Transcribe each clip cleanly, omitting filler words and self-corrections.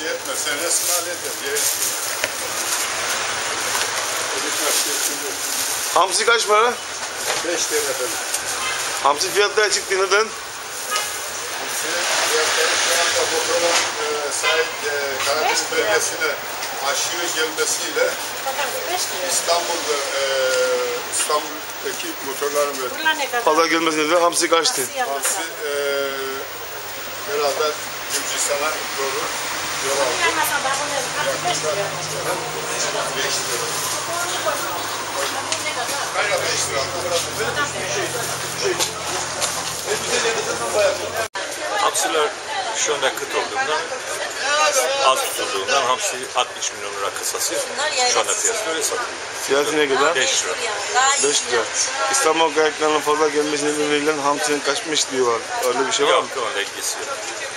şey etme. Sen resim halledin. Hamsi kaç para? 5 TL efendim. Hamsi fiyatları çıktı neden? Hamsi fiyatları şu anda motorun sahip Karadeniz bölgesine aşırı gelmesiyle İstanbul'daki motorların Fazla gelmez neden hamsi kaçtı? Hamsi beraber Gürcistan'a doğru yol aldı. 5 lira. Kayra 5 lira. Hamsiler şu anda kıt olduğundan, az tutulduğundan hamsi 60 milyon lira kısası şu anda piyasada öyle satılıyor. Fiyatı ne kadar? 5 lira. 5 lira. İstanbul kayaklarının fazla gelmesi nedeniyle hamsinin kaçmış diyorlar. Öyle bir şey var mı? Yok, onunla ilgisi yok.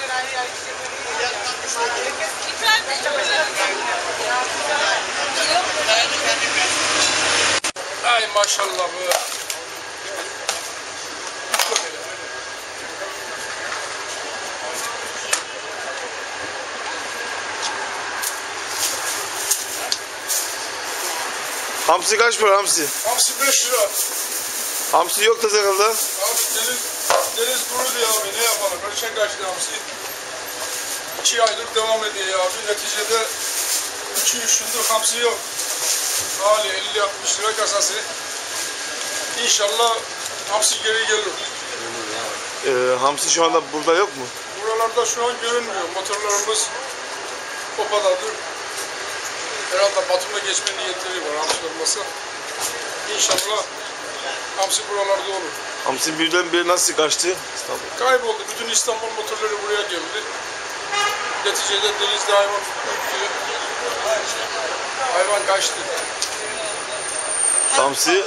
Ay maşallah bu. Hamsi kaç para hamsi? Hamsi 5 lira. Hamsi yok da herhalde. Abi deniz kurudu ya abi, ne yapalım? Kaçan kaçtı hamsi. 2 aydır devam ediyor ya abi. Neticede 2-3 gündür hamsi yok. Hali 50-60 lira kasası. İnşallah hamsi geri gelir. Hamsi şu anda burada yok mu? Buralarda şu an görünmüyor. Motorlarımız Kopa'dadır. Herhalde Batum'a geçme niyetleri var hamsi olmasa. İnşallah hamsi buralarda olur. Hamsi birdenbire nasıl kaçtı? İstanbul. Kayboldu. Bütün İstanbul motorları buraya geldi. Neticede denizde hayvan öldü. Hayvan kaçtı. Hamsi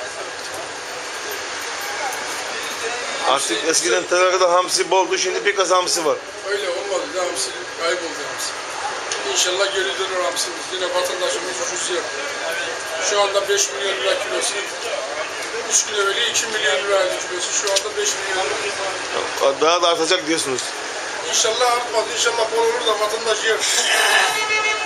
artık eskiden Teraka'da hamsi boldu, şimdi bir kasa hamsi var. Öyle olmadı da hamsi kayboldu hamsi. İnşallah geri dönür hamsimiz. Yine vatandaşımız ucuz yer. Şu anda 5 milyon lira kilosu. 3 gün evveli 2 milyon liraydı kilosu. Şu anda 5 milyon lira. Daha da artacak diyorsunuz. İnşallah artmaz. İnşallah bol olur da vatandaş yer.